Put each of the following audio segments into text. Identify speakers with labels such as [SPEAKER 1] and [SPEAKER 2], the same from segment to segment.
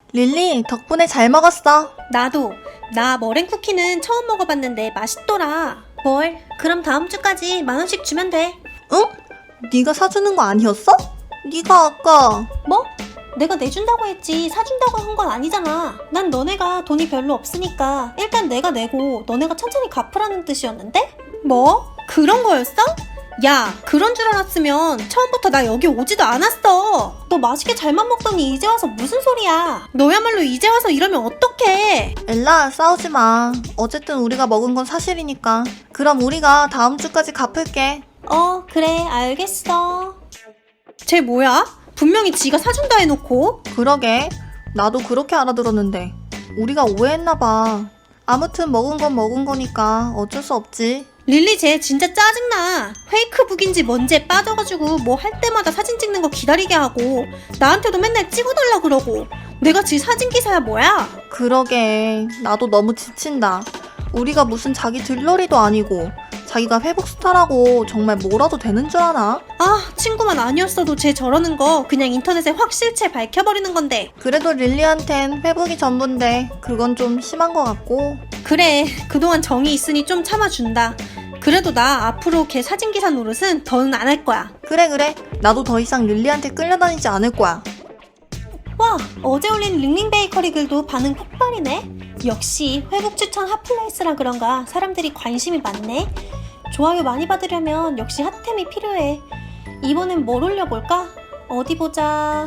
[SPEAKER 1] 릴리, 덕분에 잘 먹었어.
[SPEAKER 2] 나도. 나 머랭 쿠키는 처음 먹어봤는데 맛있더라. 뭘? 그럼 다음 주까지 10,000원씩 주면 돼.
[SPEAKER 1] 응? 네가 사주는 거 아니었어? 네가 아까...
[SPEAKER 2] 뭐? 내가 내준다고 했지 사준다고 한 건 아니잖아. 난 너네가 돈이 별로 없으니까 일단 내가 내고 너네가 천천히 갚으라는 뜻이었는데? 뭐? 그런 거였어? 야, 그런 줄 알았으면 처음부터 나 여기 오지도 않았어. 너 맛있게 잘만 먹더니 이제 와서 무슨 소리야. 너야말로 이제 와서 이러면 어떡해.
[SPEAKER 1] 엘라, 싸우지 마. 어쨌든 우리가 먹은 건 사실이니까. 그럼 우리가 다음 주까지 갚을게.
[SPEAKER 2] 그래, 알겠어. 쟤 뭐야? 분명히 지가 사준다 해놓고.
[SPEAKER 1] 그러게. 나도 그렇게 알아들었는데. 우리가 오해했나 봐. 아무튼 먹은 건 먹은 거니까 어쩔 수 없지.
[SPEAKER 2] 릴리 쟤 진짜 짜증나. 페이크북인지 뭔지에 빠져가지고 뭐 할 때마다 사진 찍는 거 기다리게 하고 나한테도 맨날 찍어달라 그러고. 내가 지 사진기사야 뭐야?
[SPEAKER 1] 그러게. 나도 너무 지친다. 우리가 무슨 자기 들러리도 아니고 자기가 회복 스타라고 정말 뭐라도 되는 줄 아나?
[SPEAKER 2] 아, 친구만 아니었어도 쟤 저러는 거 그냥 인터넷에 확 실체 밝혀버리는 건데.
[SPEAKER 1] 그래도 릴리한텐 회복이 전부인데 그건 좀 심한 것 같고.
[SPEAKER 2] 그래, 그동안 정이 있으니 좀 참아준다. 그래도 나 앞으로 걔 사진기사 노릇은 더는 안 할 거야.
[SPEAKER 1] 그래. 나도 더 이상 릴리한테 끌려다니지 않을 거야.
[SPEAKER 2] 와, 어제 올린 링링 베이커리 글도 반응 폭발이네. 역시 회복 추천 핫플레이스라 그런가 사람들이 관심이 많네. 좋아요 많이 받으려면 역시 핫템이 필요해. 이번엔 뭘 올려볼까? 어디 보자.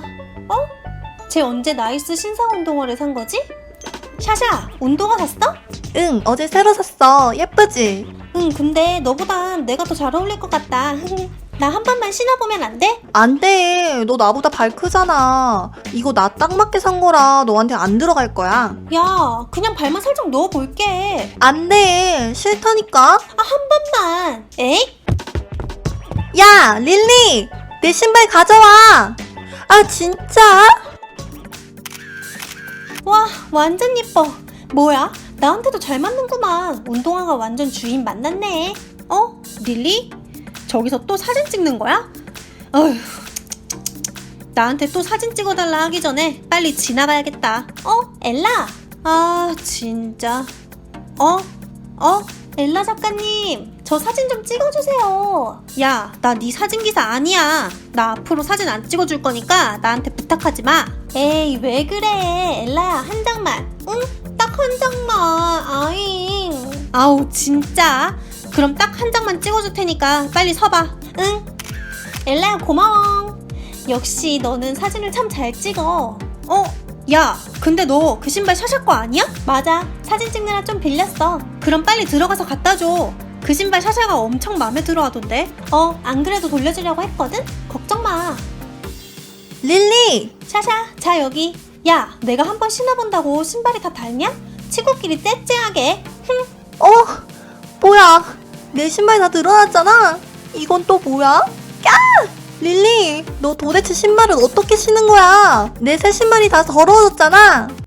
[SPEAKER 2] 쟤 언제 나이스 신상 운동화를 산 거지? 샤샤, 운동화 샀어?
[SPEAKER 1] 응, 어제 새로 샀어. 예쁘지?
[SPEAKER 2] 응, 근데 너보단 내가 더 잘 어울릴 것 같다. 나 한 번만 신어보면 안 돼?
[SPEAKER 1] 안 돼. 너 나보다 발 크잖아. 이거 나 딱 맞게 산 거라 너한테 안 들어갈 거야.
[SPEAKER 2] 야, 그냥 발만 살짝 넣어볼게.
[SPEAKER 1] 안 돼. 싫다니까.
[SPEAKER 2] 한 번만. 에이?
[SPEAKER 1] 야, 릴리! 내 신발 가져와! 아, 진짜?
[SPEAKER 2] 와, 완전 예뻐. 뭐야? 나한테도 잘 맞는구만. 운동화가 완전 주인 만났네. 릴리? 저기서 또 사진 찍는 거야? 어휴, 나한테 또 사진 찍어달라 하기 전에 빨리 지나가야겠다. 엘라? 아, 진짜. 엘라 작가님, 저 사진 좀 찍어주세요. 야, 나 네 사진기사 아니야. 나 앞으로 사진 안 찍어줄 거니까 나한테 부탁하지 마. 에이, 왜 그래. 엘라야, 한 장만. 응? 딱 한 장만. 아잉. 아우, 진짜. 그럼 딱 한 장만 찍어줄 테니까 빨리 서봐. 응? 엘라야, 고마워. 역시 너는 사진을 참 잘 찍어. 야, 근데 너 그 신발 샤샤 거 아니야? 맞아. 사진 찍느라 좀 빌렸어. 그럼 빨리 들어가서 갖다 줘. 그 신발 샤샤가 엄청 마음에 들어 하던데. 안 그래도 돌려주려고 했거든? 걱정 마.
[SPEAKER 1] 릴리!
[SPEAKER 2] 샤샤, 자 여기. 야, 내가 한번 신어본다고 신발이 다 닳냐? 친구끼리 째째하게.
[SPEAKER 1] 뭐야? 내 신발 다 드러났잖아? 이건 또 뭐야? 야! 릴리, 너 도대체 신발을 어떻게 신은 거야? 내 새 신발이 다 더러워졌잖아?